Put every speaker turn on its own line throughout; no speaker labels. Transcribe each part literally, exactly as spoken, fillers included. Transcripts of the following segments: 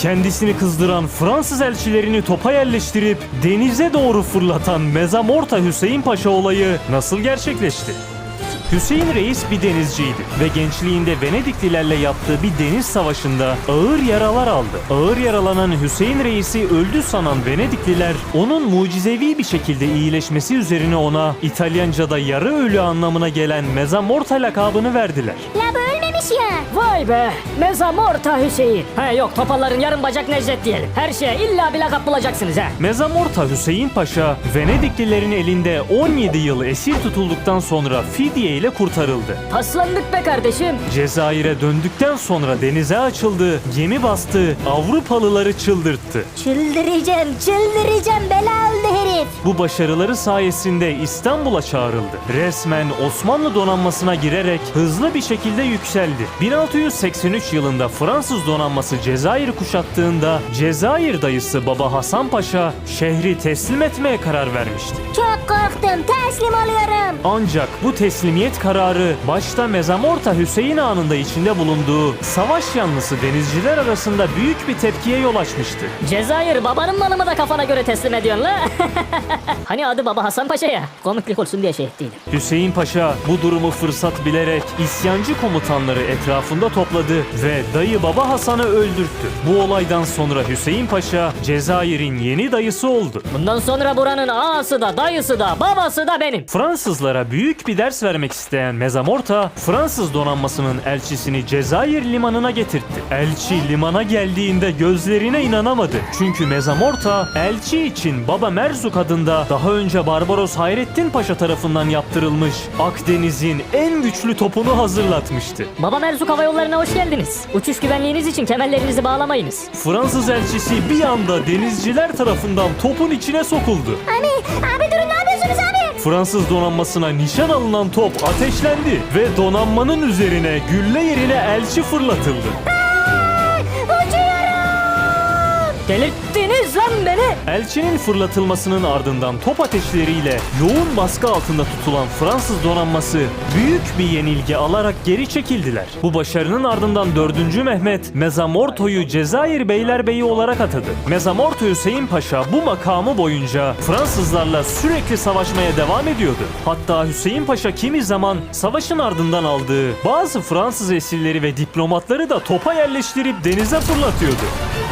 Kendisini kızdıran Fransız elçilerini topa yerleştirip denize doğru fırlatan Mezamorta Hüseyin Paşa olayı nasıl gerçekleşti? Hüseyin Reis bir denizciydi ve gençliğinde Venediklilerle yaptığı bir deniz savaşında ağır yaralar aldı. Ağır yaralanan Hüseyin Reis'i öldü sanan Venedikliler onun mucizevi bir şekilde iyileşmesi üzerine ona İtalyanca'da yarı ölü anlamına gelen Mezamorta lakabını verdiler.
La bu ölmemiş ya.
Vay be! Mezamorta Hüseyin. Ha yok, topaların yarım bacak Necdet diyelim. Her şeye illa bir lakap bulacaksınız ha.
Mezamorta Hüseyin Paşa, Venediklilerin elinde on yedi yıl esir tutulduktan sonra fidye ile kurtarıldı.
Paslandık be kardeşim.
Cezayir'e döndükten sonra denize açıldı, gemi bastı, Avrupalıları çıldırttı.
Çıldıracağım, çıldıracağım, bela oldu herif.
Bu başarıları sayesinde İstanbul'a çağrıldı. Resmen Osmanlı donanmasına girerek hızlı bir şekilde yükseldi. bin altı yüz seksen üç yılında Fransız donanması Cezayir'i kuşattığında Cezayir dayısı Baba Hasan Paşa şehri teslim etmeye karar vermişti.
Çok korktum, teslim oluyorum.
Ancak bu teslimiyet kararı başta Mezamorta Hüseyin Ağa'nın da içinde bulunduğu savaş yanlısı denizciler arasında büyük bir tepkiye yol açmıştı.
Cezayir babanın malı mı da kafana göre teslim ediyorsun la? Hani adı Baba Hasan Paşa ya. Komiklik olsun diye şey ettiydim.
Hüseyin Paşa bu durumu fırsat bilerek isyancı komutanları etrafında topladı ve dayı Baba Hasan'ı öldürttü. Bu olaydan sonra Hüseyin Paşa Cezayir'in yeni dayısı oldu.
Bundan sonra buranın ağası da, dayısı da, babası da benim.
Fransızlara büyük bir ders vermek isteyen Mezamorta, Fransız donanmasının elçisini Cezayir limanına getirtti. Elçi limana geldiğinde gözlerine inanamadı. Çünkü Mezamorta, elçi için Baba Merzuk adında daha önce Barbaros Hayrettin Paşa tarafından yaptırılmış Akdeniz'in en güçlü topunu hazırlatmıştı.
Baba Merzuk Hava Yolları'na hoş geldiniz. Uçuş güvenliğiniz için kemerlerinizi bağlamayınız.
Fransız elçisi bir anda denizciler tarafından topun içine sokuldu.
Abi, abi durun, ne yapıyorsunuz abi?
Fransız donanmasına nişan alınan top ateşlendi ve donanmanın üzerine gülle yerine elçi fırlatıldı.
Aa, uçuyorum.
Delirttiniz lan beni.
Elçinin fırlatılmasının ardından top ateşleriyle yoğun baskı altında tutulan Fransız donanması büyük bir yenilgi alarak geri çekildiler. Bu başarının ardından dördüncü Mehmet Mezamorto'yu Cezayir Beylerbeyi olarak atadı. Mezamorto Hüseyin Paşa bu makamı boyunca Fransızlarla sürekli savaşmaya devam ediyordu. Hatta Hüseyin Paşa kimi zaman savaşın ardından aldığı bazı Fransız esirleri ve diplomatları da topa yerleştirip denize fırlatıyordu.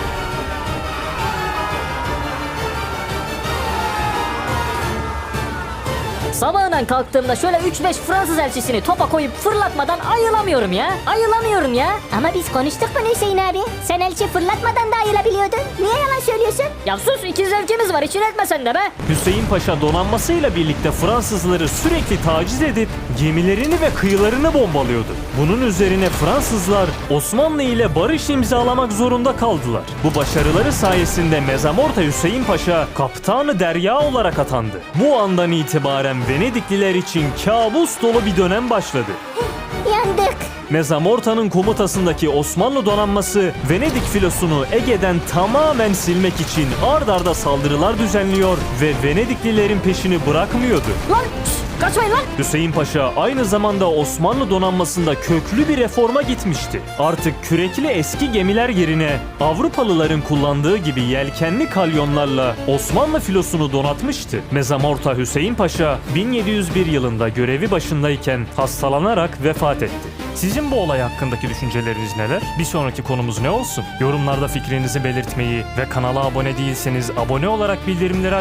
Sabahından kalktığımda şöyle üç beş Fransız elçisini topa koyup fırlatmadan ayılamıyorum ya. Ayılamıyorum ya.
Ama biz konuştuk bunu Hüseyin abi. Sen elçi fırlatmadan da ayılabiliyordun. Niye yalan söylüyorsun?
Ya sus, iki zevkimiz var, içine etme sen de be.
Hüseyin Paşa donanmasıyla birlikte Fransızları sürekli taciz edip gemilerini ve kıyılarını bombalıyordu. Bunun üzerine Fransızlar Osmanlı ile barış imzalamak zorunda kaldılar. Bu başarıları sayesinde Mezamorta Hüseyin Paşa Kaptanı Derya olarak atandı. Bu andan itibaren Venedikliler için kabus dolu bir dönem başladı.
Yandık.
Mezamorta'nın komutasındaki Osmanlı donanması Venedik filosunu Ege'den tamamen silmek için ard arda saldırılar düzenliyor ve Venediklilerin peşini bırakmıyordu.
Lan şş, kaçmayın lan.
Hüseyin Paşa aynı zamanda Osmanlı donanmasında köklü bir reforma gitmişti. Artık kürekli eski gemiler yerine Avrupalıların kullandığı gibi yelkenli kalyonlarla Osmanlı filosunu donatmıştı. Mezamorta Hüseyin Paşa bin yedi yüz bir yılında görevi başındayken hastalanarak vefat etti. Sizin bu olay hakkındaki düşünceleriniz neler? Bir sonraki konumuz ne olsun? Yorumlarda fikrinizi belirtmeyi ve kanala abone değilseniz abone olarak bildirimleri